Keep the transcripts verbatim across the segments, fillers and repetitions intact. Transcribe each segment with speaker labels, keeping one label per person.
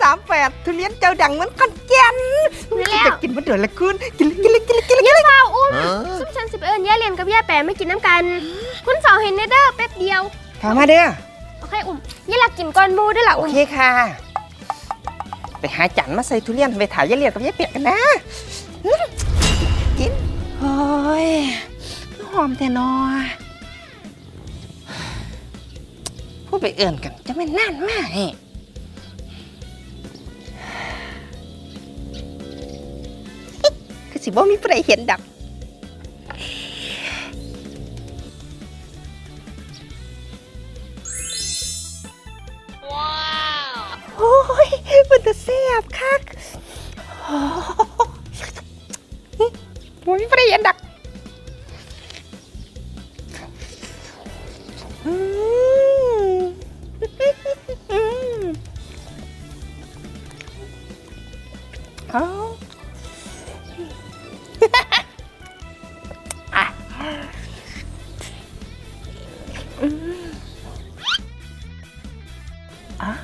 Speaker 1: ามแฝดทุเรียนเจ้าดังเหมือนขอนแก่น
Speaker 2: แล้ว
Speaker 1: จะกินมันเดือดละคุณกินเลยกินเลยกินเลยกินเลย
Speaker 2: ย่าเฝ้าอุ้มซุปฉันสิบเอิญย่าเรียนกับย่าแปะไม่กินน้ำกัน คุณสาวเห็นเนเด้อแป๊บเดียว
Speaker 1: ถามมาเด้อ
Speaker 2: โอเคอุ้มย่าหลักกินก้อนมูด้วยล่ะ
Speaker 1: โอ
Speaker 2: อุ้ม
Speaker 1: เคค่ะ ไปหาจันมาใส่ทุเรียนไปถ่ายยายเลียดกับยายเปียกกันนะกินโอ้ยหอมแต่นอพูดไปเอื่นกันจะไม่น่านมากนี่คือสิบ่มีผู้ใดเห็นดับโอ้ยมันจะแซ่บคักโอ้ยไม่ได้เห็นดักอืมอืมเอาอ่ะอืมอ่ะ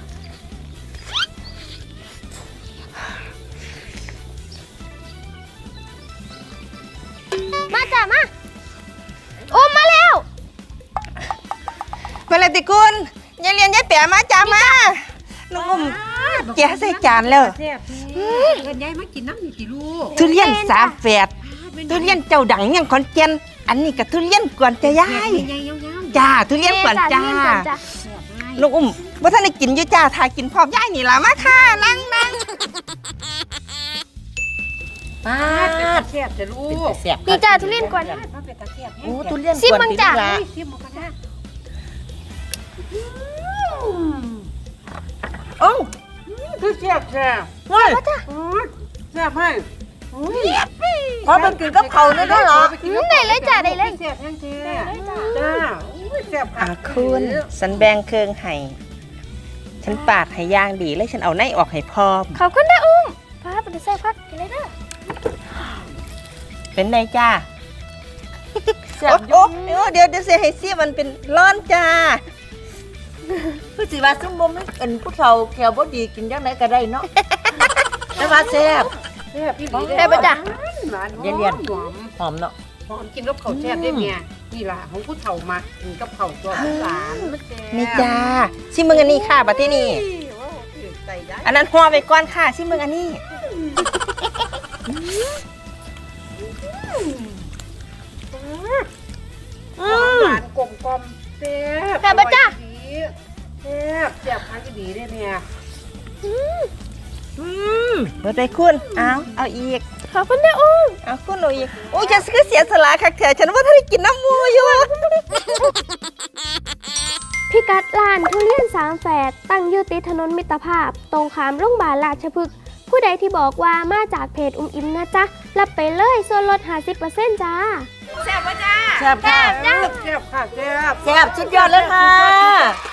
Speaker 2: มาจ้ะมาอุ้มมาแล้ว
Speaker 1: มาเลยติคุณยายเรียนยายแปะมาจ้ามาน้องอุ้มแกะใส่จานแล้ว
Speaker 3: แซ่บเงินยายมากินน้ำนี่กี่ลูก
Speaker 1: ทุเรียนสามแฝดทุเรียนเจ้าดังยังขอนแก่นอันนี้กับทุเรียนกวนจะย้าย
Speaker 3: ยายยาว
Speaker 1: จ้าทุเรียนกวนจ้า
Speaker 2: เรียนก่อนจ้ะ
Speaker 3: ๆแซ่บให้
Speaker 1: น้องอุ้มว่าท่านได้กินอยู่จ้าทายกินพร้อมย้ายนี่ล่ะมาค่ะนั่งนั่งป้า
Speaker 3: เป็นตาแซ่บจะลูก
Speaker 1: แซ่บ
Speaker 2: นี่จ้าทุเรียนก่อน
Speaker 3: มาเป็นตาแซ่บ
Speaker 1: โอ้ทุเรียน
Speaker 2: ซิมมึงจ้ะ
Speaker 3: ซิมมากันนะ
Speaker 1: โอ้
Speaker 3: คือแซ่บแซ่บ
Speaker 1: เฮ้ย
Speaker 3: แซ่บให้
Speaker 1: พอมันกินกับเขาเลยได้เหรอ
Speaker 2: ได้เลยจ้ะได้เลย
Speaker 3: แซ่บยังแท้จ้าแซ่บ
Speaker 1: อ่าคุณสันแบงเครื่องให้ฉันปาดให้ย่างดีแล้วฉันเอาในออกให้พร้อม
Speaker 2: ขอบคุณนะอุ้มป้าเป็นแซ่บพักกินเลยเด้อ
Speaker 1: เป็นไงจ้า
Speaker 3: แซ่บ
Speaker 1: โอ้โอ้เดี๋ยวเดี๋ยวเสียให้เสียมันเป็นร้อนจ้า
Speaker 4: คือสิว่าซุ่มบ่มันเป็นผู้เฒ่าแขวบ่ดีกินจังไดก็ได้เนาะ แต่ว่าแซ่บ
Speaker 3: แซ่บพี่ดี
Speaker 2: ได้ปะจ้ะ
Speaker 4: ยายเรียน
Speaker 3: หอม
Speaker 4: หอมเนาะ
Speaker 3: หอมกินกับข้าวแซ่บได้เมียนี่ล่ะของผู้เฒ่ามากินกับข้าวตัวผู้หลานมันแซ่บ
Speaker 1: นี่จ้าชิมมึงอันนี้ค่ะบัดที่นี่อันนั้นห่อไปก่อนค่ะชิมมึงอันนี้
Speaker 3: หวานกลมกลมแซ่บ
Speaker 2: แซ่บปะจ๊ะ
Speaker 3: แซ่บแซ่บพันดีได้เนี่ย
Speaker 1: เบิดไปคุณเอาเอาอีก
Speaker 2: ขอบคุณนะอุ้ม
Speaker 1: เอาคุณเอาอีกโอ้ยฉันคือเสียสละคักเถอะฉันว่าถ้าได้กินน้ำมูอยู่
Speaker 2: พี่กัดร้านทุเรียนสามแฝดตั้งอยู่ติดถนนมิตรภาพ ตรงขามโรงพยาบาลราชพฤกษ์ผู้ใดที่บอกว่ามาจากเพจอุ้มอิมนะจ๊ะรับไปเลยส่วนลด ห้าสิบเปอร์เซ็นต์ จ้า
Speaker 4: แซ่บค่ะ
Speaker 3: แซ่บค่ะแซ่บ
Speaker 4: แซ่บสุดยอดเลยค่ะ